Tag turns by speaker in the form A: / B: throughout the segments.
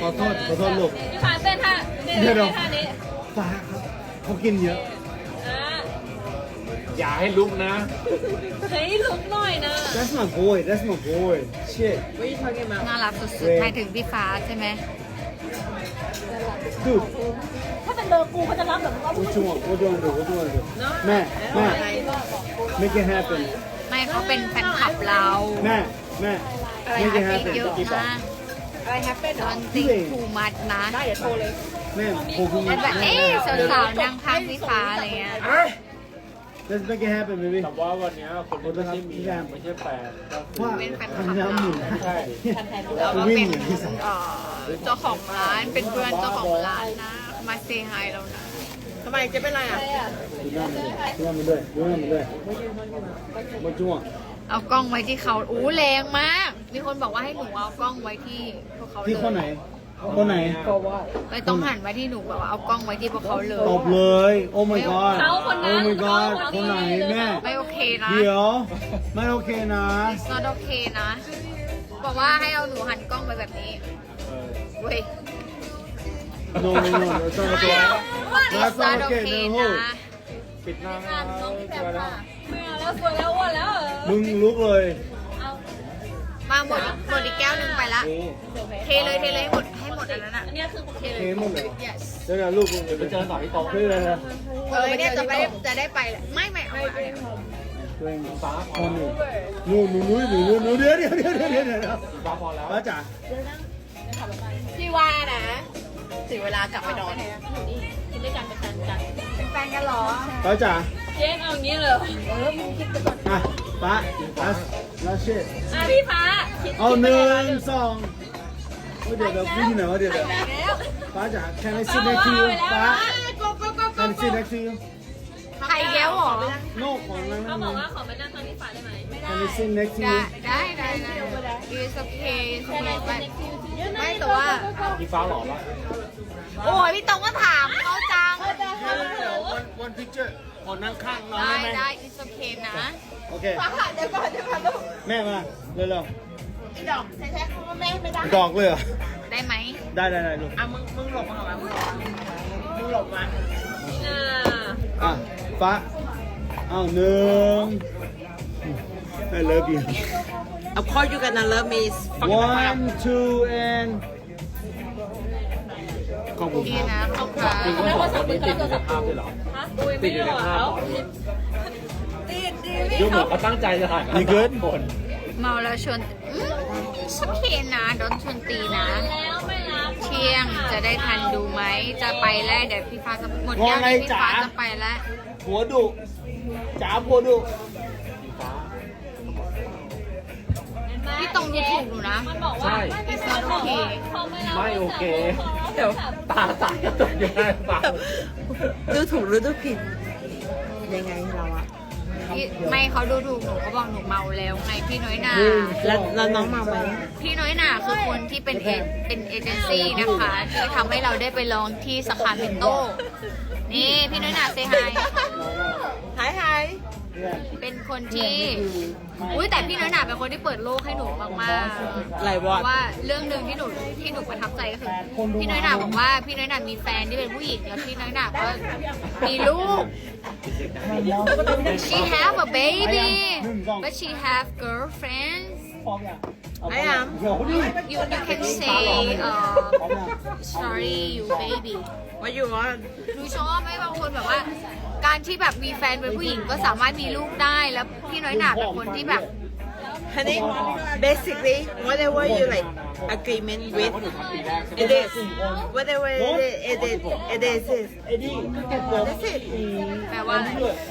A: ขอโทษลูก
B: พี่ฟ้าเต้นท่า
A: เดี๋ยว
B: ท่านี้
A: ฟ้าครับเขากินเยอะ
B: อ่า
C: อย่าให้ลุกนะ
B: เฮ้ยลุกหน่อยนะ
A: That's my boy That's my boy Shit
D: น่ารักสุดๆหมายถึงพี่ฟ้าใช่ไหม
A: Dude
B: ถ้าเป็นเบอร์กูเขาจะรับแบบว่า
A: What you want What you want to do What you want to do แม่ Make it happen
D: ไม่เขาเป็นแฟนคลับเรา
A: แม่ Make it
D: เย
A: happen
D: อะนะอะไรแฮปปี้ดอนติงทูมัดนะ
A: แม่ผมคุณ
D: เป็นแบบเอ๊ะสาวๆนั่งข้างพี่ฟ้าอะไรเงี้ย
A: Let's make it happen baby
C: แต่ว่าวันนี้คนที่ไม่ใช่มีไม่ใช่แฟนก็คือ
A: ว่าทำน้ำหมุน
C: ใช่
D: แล้วก็
A: วิ่
D: เป็
A: ง
D: น
A: เหมือนที่สาม
D: เจ้าของร้านเป็นเพื่อนเจ้าของร้านนะมาเซฮายเรานะ
E: ทำไมเจ๊เป็นไรอ่ะ
A: ดูหน้ามันด้วยWhat you want
D: เอากล้องไว้ที่เขาอู้แรงมาก มีคนบอกว่าให้หนูเอากล้องไว้ที่พวกเขาเลย
A: ที่คนไหน คนไหน
D: เลยต้องหันไว้ที่หนูแบบว่าเอากล้องไว้ที่พวกเขาเลย
A: ตบเลย Oh my god
B: เขาคนนั้น
A: Oh my god คนไหนแม่
D: ไม่โอเคนะ
A: เดี๋ยว ไม่โอเคนะ
D: not โอเคนะ บอกว่าให้เอาหนูหันกล้องไปแบบนี้เว้ย
A: No That's not okay That's not okay No
C: ปิดหน้า
B: อ่านน้องพี่แพรค่ะไม่เอาแล้วสวยแล้วอ้วนแล้ว
A: มึงลุกเลย
B: เอา
D: มาหมดอีกแก้วหนึ่งไปละ เทเลยให้หมดอันนั้นอ่ะ
B: อันนี้คือ
D: เทเลย
A: เทหมดเลย
D: yes
A: เดี๋ยวลูกมึง
C: เดี๋ยวไปเจอต่อที่โต๊ะ
A: เฮ้ยอะไรนะ
D: เนี่ยจะได้ไปแหละไม่เอามาเนี่ย
A: ตัวเอง
C: ฟ้าพ
A: ค
C: อน
A: ห
C: แล้
A: นึ่
C: ว
A: งหนูเดี๋ยว
C: ฟ้าพอแล้ว
A: ป้าจ๋า
E: พี่ว่านะ ถึงเวลากลับไปนอน
B: กินด้วยกันเป็นกันจัง
D: เป็นแฟนกันเหรอ
A: ป้าจ๋า
B: เจ๊เอาอย่างนี้เลย
A: อ่ะป้าแล้วเช่
B: อ่ะพี่ฟ้าคิด
A: เอาหนึ่งสองเดี๋ยวพี่ที่ไหนวะเดี๋ยวป้าจ๋า Can I sit next to you ป้า Can I sit next to you
D: ใครแก้วเหรอ
A: No ของนั่ง
B: เขาบอกว่าขอไปนั่งข้างพี่ฟ้าได้ไหม
A: Can I sit next to
D: ได้
A: you
D: ได้ it's okay it's okay ไม่แต่ว่า
C: พี่ฟ้าหล่อปะ
D: โอ้ยพี่ตองก็ถามเขาจัง
A: One picture ขอนั่งข้างน้อง
D: ได้
A: ได้ไหม
D: ได้ it's okay นะ
A: โอเค
E: เดี๋ยวก่อนลูก
A: แม่มาเร็ว
E: อีดอกใช้คำว่าแม่ไม่ได้
A: ๆดอกเลยเหรอ
D: ได้ไหม
A: ได้ลูก
E: อ่ะมึงหลบมาก่อนมึงหลบมา
B: อ่า
A: อ่ะฟ้าเอาหนึ่ง I love you
E: Of course you gonna love me
A: one two and ขอบ
D: โอ
A: คุณ
D: เค
A: ครับ
D: นะขอบคุณ
C: จริงก็บอกว่าติดอยู่ในภาพด้วยเหรอ
B: ฮะอุ้ยไม่ได้หรอเขา
C: ดูเหมือนเขาตั้งใจจะถ่าย
A: มีเกิน
C: คน
D: เมาแล้วชวนit's okay นะโดนชวนตีนะ
B: แล้วไม่รับ
D: เที่ยงจะได้ทันดูไหม จะไปแล้วเดี๋ยวพี่ฟ้าจะหมดแก้วนี้พี่ฟ้าจะไปแล้ว
A: หัวดุจ๋าหัวดุ
D: พี่ตรงดูถูกหนูนะ
B: มันบอกว่า
D: it's not okay
B: เขาไม่รับ
C: ไม่โอเค
E: เดี๋ยว
C: ตาสายกระตุกอยู่ได้เปล่า
E: ดูถูกหรือดูผิด ยังไงเราอะ
D: พี่ไม่เขาดูถูกหนูเขาบอกหนูเมาแล้วไงพี่น้อยหนา
E: แล้วน้องมาไหม
D: พี่น้อยหนาคือคนที่เป็นเอเจนซี่นะคะที่ทำให้เราได้ไปลองที่สาขาเมนโต้นี่พี่น้อยหนาเซฮาย
E: หาย
D: เป็นคนที่อุ้ยแต่พี่น้อยหนาเป็นคนที่เปิดโลกให้หนูมากๆ
E: หลาย
D: เพ
E: วอด
D: ราะว่าเรื่องหนึ่งที่หนูประทับใจก็คือพี่น้อยหนาบอกว่าพี่น้อยหนามีแฟนที่เป็นผู้หญิงแล้วพี่น้อยหนาก็มีลูก she have a baby but she have girlfriends
E: I am
D: you can say sorry you baby
E: What you want
D: หนูชอบไหมบางคนแบบว่า การที่แบบมีแฟนเป็นผู้หญิงก็สามารถมีลูกได้แล้วพี่น้อยหนาเป็นคนที่แบบ
E: Honey basically whatever you like agreement with it is whatever it is that's it
D: แปลว่าอะไร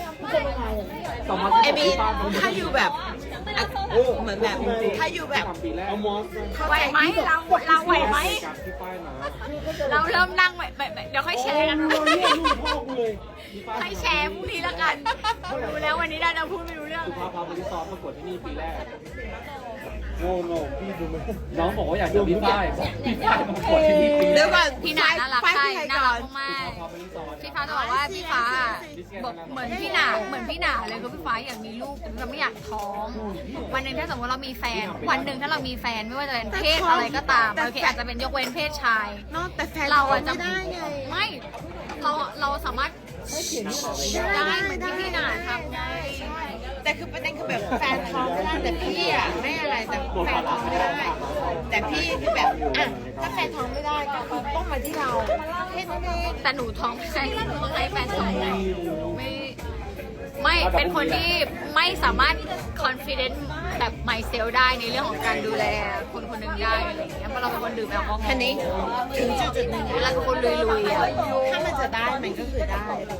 E: I mean ถ้าอยู่แบบเหมือนแบบถ้าอยู่แบบ
A: เอามอส
D: ไหวไหมเราไหวไหม
C: กับที่ป้ายมา
D: เราเริ่มนั่งเดี๋ยวค่อยแชร์กัน
A: ลูกพ่อกูเลย
D: ค่อยแชร์พรุ่งนี้แล้วกันดูแล้ววันนี้ได้เราพูดไม่รู้เรื่อง
C: คือพาพาไปที่ซ้อมประกวดที่นี่ปีแรก
A: โอ้โหพี่ดูไหม
C: น้องบอกว่าอยากเจอพี่ฝ้ายพี่ฝ้ายมากดที่นี่
E: เดี๋ยวก่อน
D: พี่หนาน่ารัก
E: ไฟ
D: ใช่
E: ที่ไหน
D: น่า
E: ก่
D: รั
E: อก น
D: มาก
C: พอไปรีสอร์ท
D: พี่ฟ้าจะบอกว่าพี่ฟ้าบอกเหมือนพี่หนาเลยคือพี่ฟ้าอยากมีลูกแต่เราไม่อยากท้อง วันหนึ่งถ้าสมมติเรามีแฟน วันหนึ่งถ้าเรามีแฟนไม่ว่าจะเป็นเพศอะไรก็ตามโอเคอาจจะเป็นยกเว้นเพศชาย
E: เนาะแต่แฟน
D: เราอะจะ
E: ไม่ได้ไง
D: ไม่เราสามารถได้เหมือนที่พี่หนาทำไง
E: แต่คือประเด็นคือแบบแฟนท้องไม่ได้แต่พี่อ่ะไม่อะไรแต่แฟนท้องไม่ได้ แต่พี่คือแบบอ่ะถ้าแฟนท้องไม่ได้ก็คือต้องมาที่เราแค่นั้นเอง
D: แต่หนูท้องไม่ใช่ต้องให้แฟนท้องไงไม่เป็นคนที่ไม่สามารถ confident แบบ myself ได้ในเรื่องของการดูแลคนคนหนึ่งได้อะไรอย่างเงี้ยเพราะเราเป็นคนดื่มแอลกอฮอล์
E: คันนี้ถึงจุดหนึ่ง
D: เวลาเป็นคนลุยๆอ่ะ
E: ถ้ามันจะได้มันก็คือได้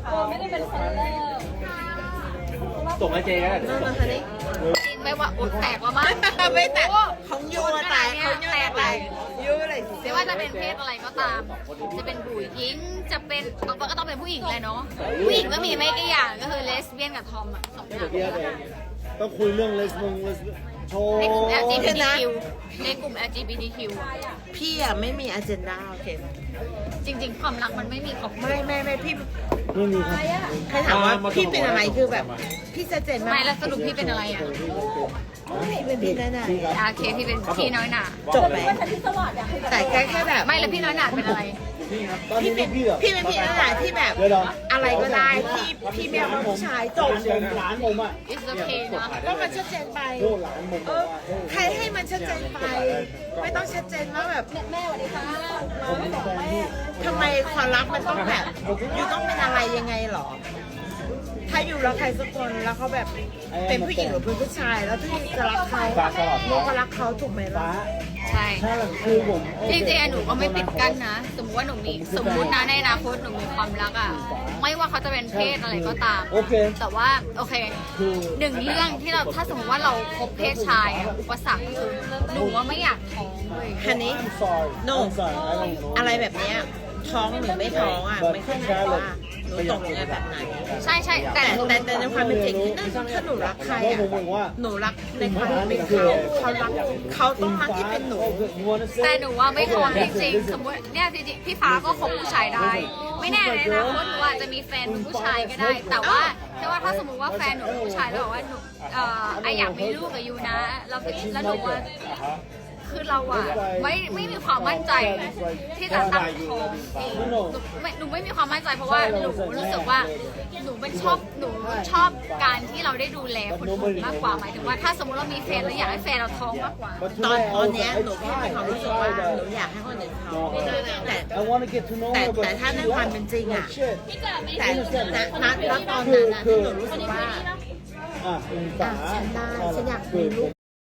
C: ส่งให้เจ๊ก็ได้
E: นั่นนะคันนี้
D: จริงไม่ว่าอุดแตกว่ามั้ง
E: ไม่แต่ของยูอะแต่ของยูอะแต่ยูอะไร
D: ไม่ว่าจะเป็นเพศอะไรก็ตาม จะเป็นผู้หญิงจะเป็นบางคนก็ต้องเป็นผู้หญิงเลยเนาะผู้หญิงก็มีไม่กี่อย่างก็คือเลสเบี้ยนกับทอมอะสองอย่าง
A: ต้องคุยเรื่องเลสโชว์
D: ในกลุ่ม LGBTQ ในกลุ่ม LGBTQ
E: พี่อะไม่มีอเจนดาโอเค
D: จริง ๆ ความรักมันไม่มีขอบเขต
E: ไม่พี่
A: ไม่มีครับ
E: ใครถามว่าพี่เป็นอะไรคือแบบพี่ชัดเจนมาก
D: ไม่แล้วสรุปพี่เป็นอะไรอ่ะ
E: พี่เป็นพี่แน่
D: โอเคพี่เป็นพี่น้อยหนา
E: ๆจบไหมแต่แค่แบบ
D: ไม่แล้วพี่น้อยหนาเป็นอะไร
A: ตอนนี้พี่แบบ
E: พี่เป็นพี่แน่ๆที่แบบ
A: เดี๋ยว
E: อะไรก็ได้พี่ไม่เอาผู้ชายจบ
A: หลานผมอ่ะ
D: It's okay เนาะ
E: ก็มันชัดเจนไป
A: โอ้หลานผมบอกว่า
E: ใครให้มันชัดเจนไป ไม่ต้องชัดเจนว่าแบบ
A: ผมมีแฟนที่
E: ทำไมความรักมันต้องแบบอยู่ต้องเป็นอะไรยังไงหรอ ถ้าอยู่รักใครสักคนแล้วเขาแบบเป็นผู้หญิงหรือเป็นผู้ชายแล้วที่จะรักเขาเราก็รักเขาถูกไหมล่ะ
A: ฟ้า
D: ใช่
A: ถ้าคือผม
D: จริงๆหนูก็ไม่ปิดกั้นนะ สมมติว่าหนูมีสมมตินะในอนาคตหนูมีความรักอ่ะ ไม่ว่าเขาจะเป็นเพศอะไรก็ตาม
A: โอเค
D: แต่ว่าโอเค
A: คือ
D: หนึ่งเรื่องที่เราถ้าสมมติว่าเราคบเพศชายอะอุปสรรคคือหนูว่าไม่อยากท้องเลย
E: ฮันนี่
A: I'm sorry
E: No
A: I'm sorry I don't know
E: อะไรแบบเนี้ยท้องหรือไม่ท้องอ่ะไม่ขึ้นอยู่ว่าหนูตกยังไงแบบไหน
D: ใช่ใช่
E: แต่ในความเป็นจริงถ้าหนูรักใคร
A: เพราะ
E: อ่ะ
A: ผมบอกว่า
E: หนูรักในความเป็นเขารักเขาต้องรักที่เป็นหนู
D: แต่หนูว่าไม่ท้องจริงๆสมมติเนี่ยจริงๆพี่ฟ้าก็คบผู้ชายได้ ไม่แน่ในอนาคตหนูอาจจะมีแฟนเป็นผู้ชายก็ได้ แต่ว่าถ้าสมมติว่าแฟนหนูเป็นผู้ชายแล้วบอกว่าหนูไออยากมีลูกกับยูนะแล้วหนูว่าคือเราอะไม่มีความมั่นใจที่จะตั้งท้องเองหนูไม่มีความมั่นใจเพราะว่าหนูรู้สึกว่าหนูชอบการที่เราได้ดูแลคนอื่นมากกว่าหมายถึงว่าถ้าสมมติเรามีแฟนเราอยากให้แฟนเราท้องมากกว่า
E: ตอนเนี้ยหนูแค่มีความรู้สึกว่าหนูอยากให้คนอื่นท้องแต่
A: I want to get to know
E: แต่ถ้าในความเป็นจริงอะ แต่ณตอนนั้นนะที่หนูรู้สึกว่า
A: อ่ะฟ้า
E: ฉันได้ฉันอยากมีลูก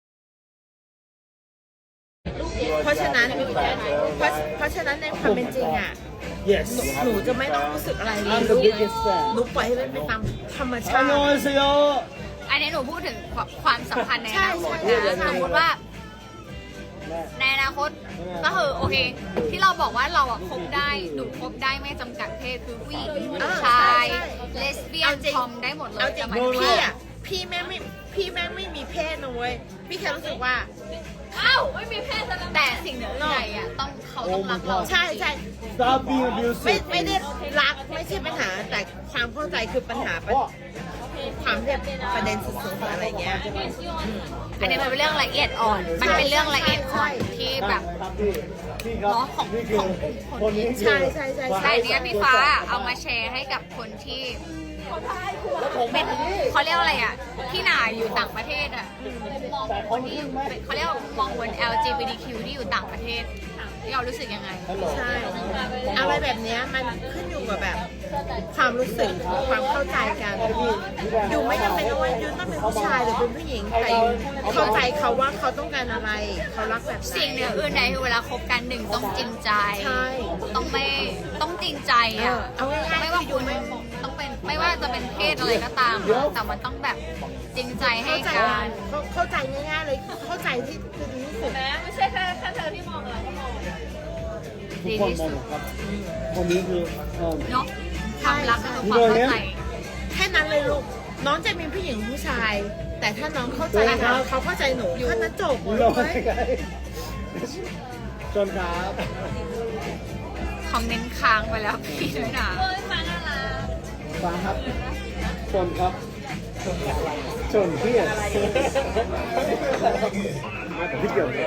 E: เพราะฉะนั้นในความเป็นจริงอ่ะ
A: yes
E: หนูจะไม่ต้องรู้สึกอะไรเลย
A: I'm the biggest fan
E: หนูปล่อยให้มันไปตามธรรมชาติ
A: 안녕하세요
D: อันนี้หนูพูดถึงความสัมพันธ์ในอนาคต
E: ใช่
D: นะสมมติว่าในอนาคตก็คือโอเค ที่เราบอกว่าเราอะคบได้หนูคบได้ไม่จำกัดเพศคือผู้หญิงผู้ชายเลสเบี้ยนทอมได้หมดเล
E: เอา
D: ย
E: จริ
D: แต่
E: ง
D: หมายถึง
E: พี่
D: ว่า
E: อ่ะพี่แม่งไม่มีเพศนะเว้ยพี่แค่รู้สึกว่า
B: อ้าวไม่มีเพศแล้ว
D: แต่สิ่งเหนือใดอะเขาต้องรักเรา
E: ใช่
A: stop being
E: ไม่
A: abusive
E: ได้รักไม่ใช่ปัญหาแต่ความเข้าใจคือปัญหาความที่ประเด็นสุดๆอะไรเงี้ย
D: อันนี้มันเป็นเรื่องละเอียดอ่อน มันเป็นเรื่องละเอียดอ่อนที่แบบ
A: พี่ครับ
D: เนาะของ
A: นี่คือ
D: คนนี้
E: ใช่
D: แต่เนี้ยพี่ฟ้าเอามาแชร์ให้กับคนที่เป็นเขาเรียกว่าอะไรอ่ะที่หนาอยู่ต่างประเทศอ่ะมองคนที่เขาเรียกว่ามองบน LGBTQ ที่อยู่ต่างประเทศที่เรารู้สึกยังไง
E: ใช่อะไรแบบเนี้ยมันขึ้นอยู่กับแบบความรู้สึกความเข้าใจกันอยู่ไม่จำเป็นว่ายูต้องเป็นผู้ชายหรือเป็นผู้หญิงแต่ยูเข้าใจเขาว่าเขาต้องการอะไรเขารักแบบไหน
D: สิ่งเหนืออื่นใดคือเวลาคบกันหนึ่งต้องจริงใจ
E: ใช่
D: ต้องจริงใจอ่ะ
E: เอาง่ายๆ
D: ไม่ว่าคุณต้องเป็นไม่ว่าจะเป็นเพศอะไรก็ตามอะแต่มันต้องแบบจริงใจให้
E: เข้าใจ
D: กัน
E: เข้าใจง่ายๆเลยเข้าใจที่คือดีที่สุด
B: แม้ไม่ใช่แค่เธอที่มองเราก็มอง
A: ทุกคนมองครับคนนี้คือ
D: เนาะความรักก็คือความเข้าใจ
E: แค่นั้นเลยลูกน้องจะมีผู้หญิงผู้ชาย แแต่ถ้าน้องเข้าใจเขาเข้าใจหนูถ้านั้นจบ
A: รอ
E: เลย
A: ไงชนครับ
D: คอมเมนต์ค้างไปแล้วพี่น้อยหนา
B: เฮ้ยฟ้าน่ารัก
A: ฟังครับชนครับชนพี่อ่ะมาแต่พี่เกี่ยวเลย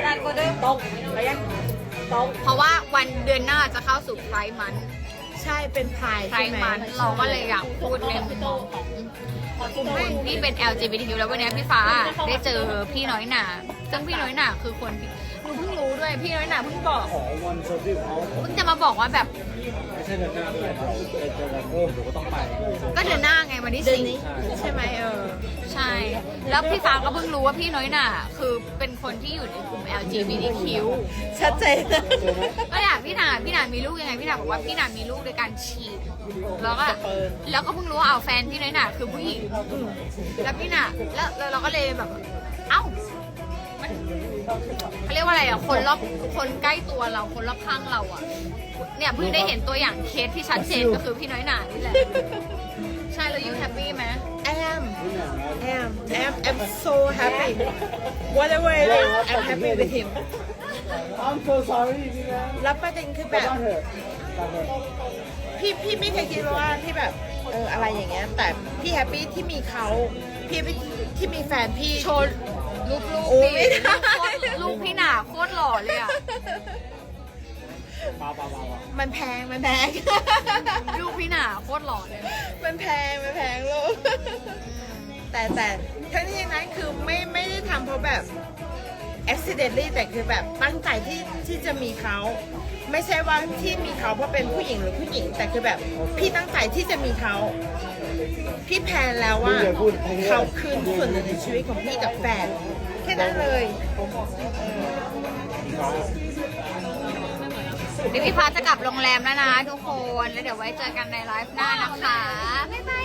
D: เพราะว่าวันเดือนหน้าจะเข้าสู่ไพร์มัน
E: ใช่เป็นพาย
D: ไพร์มันเราก็เลยอยากพูดในมุมมองของคนที่เป็น LGBTQ แล้ววันนี้พี่ฟ้าได้เจอพี่น้อยหนาซึ่งพี่น้อยหนาคือคนที่หนูเพิ่งรู้ด้วยพี่น้อยหนาเพิ่งบอก
A: ขอวันโซฟี่เขา
D: เพิ่งจะมาบอกว่าแบบ
A: ไม่ใช่เดือนหน้าด้วยครับเป็นเดือนโอ้หนูก็ต้องไป
D: ก็เดือนหน้าไงวันที่
E: เดือน
D: สี่
E: นี้ใช่ไหม
D: ใช่ แล้วพี่ฟ้าก็เพิ่งรู้ว่าพี่น้อยหนาคือเป็นคนที่อยู่ในกลุ่ม LGBTQ
E: ชัดเจน
D: ก็อยากพี่หนามีลูกยังไงพี่หนาบอกว่าพี่หนามีลูกโดยการฉีดแล้วก็เพิ่งรู้ว่าเอาแฟนพี่น้อยหนาคือผู้หญิงแล้วพี่หนาแล้วเราก็เลยแบบเอ้ามันเขาเรียกว่าอะไรอ่ะคนใกล้ตัวเราคนรอบข้างเราอ่ะเนี่ยเพิ่งได้เห็นตัวอย่างเคสที่ชัดเจนก็คือพี่น้อยหนานี่แหละใช่แล้วยูแฮปปี้ไหม
E: I'm so happy whatever it is I'm happy with him
A: I'm so sorry พี่นะ
E: แล้วประเด็นคือแบ
A: กลั
E: บ
A: บ้านเถอะกลับเถอะ
E: พี่ไม่เคยคิดว่าพี่แบบอะไรอย่างเงี้ยแต่พี่แฮปปี้ที่มีเขาพี่ที่มีแฟนพี่
D: โชว์รูป
E: โอ้
D: พี่
E: ไม่ได้
D: ลูกพี่หนาโคตรหล่อเลยอ่ะ
E: มันแพง
D: ลูกพี่หนาโคตรหล่อเลย
E: มันแพงลูกแต่ทั้งนี้ทั้งนั้นคือไม่ได้ทำเพราะแบบ accidentally แต่คือแบบตั้งใจที่จะมีเขาไม่ใช่ว่าที่มีเขาเพราะเป็นผู้หญิงหรือผู้หญิง แต่คือแบบพี่ตั้งใจที่จะมีเขาพี่แพลนแล้วว่าเขาคืนส่วนหนึ่งในชีวิตของพี่กับแฟนแค่นั้นเลย
D: เดี๋ยวพี่พาจะกลับโรงแรมแล้วนะทุกคน แล้วเดี๋ยวไว้เจอกันในไลฟ์หน้านะคะ บ๊ายบาย